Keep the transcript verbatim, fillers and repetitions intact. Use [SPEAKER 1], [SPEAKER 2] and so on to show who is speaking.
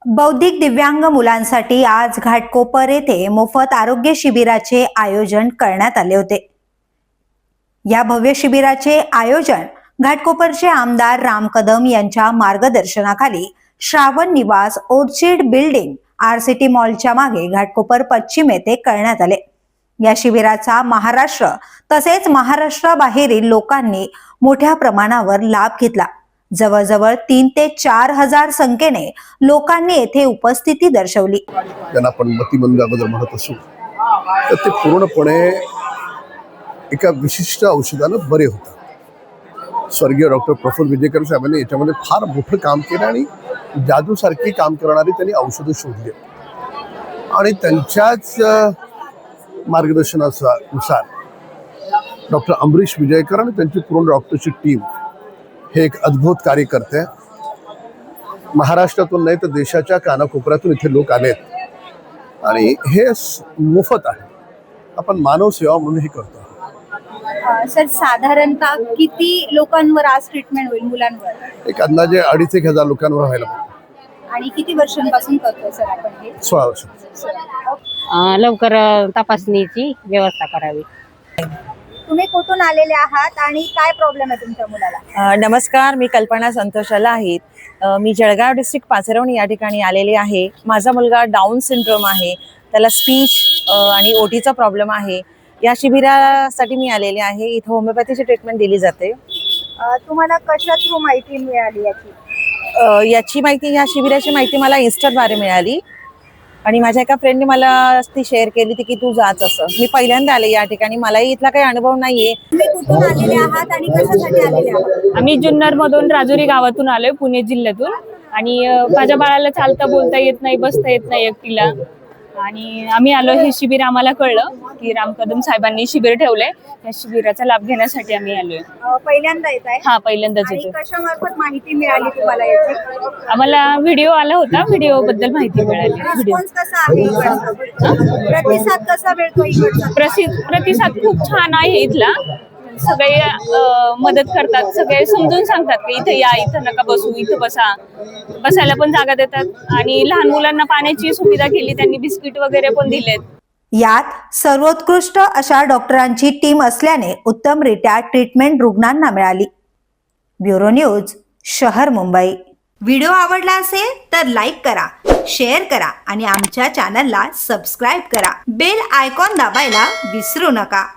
[SPEAKER 1] बौद्धिक दिव्यांग मुलांसाठी आज घाटकोपर येथे मोफत आरोग्य शिबिराचे आयोजन करण्यात आले होते। या भव्य शिबिराचे आयोजन घाटकोपरचे आमदार राम कदम यांच्या मार्गदर्शनाखाली श्रावण निवास ओर्चिड बिल्डिंग आरसीटी मॉलच्या मागे घाटकोपर पश्चिम येथे करण्यात आले। या शिबिराचा महाराष्ट्र तसेच महाराष्ट्राबाहेरील लोकांनी मोठ्या प्रमाणावर लाभ घेतला। जवळजवळ तीन ते चार हजार संख्येने लोकांनी येथे उपस्थिती दर्शवली।
[SPEAKER 2] त्यांना आपण मतिमंदाबद्दल म्हणत असू तर ते पूर्णपणे एका विशिष्ट औषधानं बरे होतात। स्वर्गीय डॉक्टर प्रफुल्ल विजयकर साहेबांनी याच्यामध्ये फार मोठं काम केलं आणि जादूसारखी काम करणारी त्यांनी औषधं शोधली आणि त्यांच्याच मार्गदर्शनानुसार डॉक्टर अमरीश विजयकर आणि त्यांची पूर्ण डॉक्टरची टीम हे एक अद्भुत कार्य करते। महाराष्ट्रातून नाही तर देशाच्या कानाकोपऱ्यातून इथे लोक आलेत आणि हे मोफत आहे। आपण मानव सेवा म्हणून हे करतो।
[SPEAKER 3] सर साधारणतः किती लोकांवर आज ट्रीटमेंट होईल मुलांवर?
[SPEAKER 2] एक अंदाजे अडीच एक हजार लोकांवर व्हायला पाहिजे।
[SPEAKER 3] आणि किती वर्षांपासून करतोय सर आपण हे?
[SPEAKER 2] सोळा वर्ष।
[SPEAKER 4] लवकर तपासणीची व्यवस्था करावी।
[SPEAKER 3] तुम्ही कुठून आलेले आहात आणि काय प्रॉब्लेम आहे तुमच्या मुलाला?
[SPEAKER 5] नमस्कार, मी कल्पना संतोषाला आहे। मी जळगाव डिस्ट्रिक्ट पाचरवणी या ठिकाणी आलेले आहे। माझा मुलगा डाऊन सिंड्रोम आहे, त्याला स्पीच आणि ओटीचा प्रॉब्लेम आहे। या शिबिरासाठी मी आलेले आहे। इथे होमिओपॅथीची ट्रीटमेंट दिली जाते।
[SPEAKER 3] तुम्हाला कशा थ्रू माहिती मिळाली याची?
[SPEAKER 5] याची माहिती, या शिबिराची माहिती मला इन्स्टाद्वारे मिळाली आणि माझ्या एका फ्रेंडने मला ती शेअर केली ती की तू जाच असं। मी पहिल्यांदा आले या ठिकाणी, मलाही इथला काही अनुभव नाहीये।
[SPEAKER 3] तुम्ही कुठून आलेले आहात आणि कशासाठी आलेले आहात?
[SPEAKER 6] आम्ही जुन्नर मधून राजुरी गावातून आलोय, पुणे जिल्ह्यातून। आणि माझ्या बाळाला चालता बोलता येत नाही, बसता येत नाही एकटीला, आणि आम्ही आलो। हे शिबिर आम्हाला कळलं की राम कदम साहेबांनी शिबिर ठेवलंय, या शिबिराचा लाभ घेण्यासाठी आम्ही आलोय।
[SPEAKER 3] पहिल्यांदा येत आहे?
[SPEAKER 6] हा, पहिल्यांदाच येतोय।
[SPEAKER 3] कशामार्फत माहिती मिळाली तुम्हाला याची?
[SPEAKER 6] आम्हाला व्हिडिओ आला होता, व्हिडिओ बद्दल माहिती मिळाली। व्हिडिओ
[SPEAKER 3] कसा आहे? प्रतिसाद कसा मिळतो इकडचा?
[SPEAKER 6] प्रतिसाद खूप छान आहे इथला। सगळे मदत करतात, सगळे समजून सांगतात की इथे या, इथं नका बसू, इथं बसा, बसायला पण जागा देतात। आणि लहान मुलांना पाण्याची सुविधा केली त्यांनी, बिस्किट वगैरे पण दिलेत।
[SPEAKER 1] यात सर्वोत्कृष्ट अशा डॉक्टरांची टीम असल्याने उत्तमरित्या ट्रीटमेंट रुग्णांना मिळाली। ब्युरो न्यूज, शहर मुंबई। व्हिडिओ आवडला असेल तर लाईक करा, शेअर करा आणि आमच्या चॅनलला सबस्क्राईब करा। बेल आयकॉन दाबायला विसरू नका।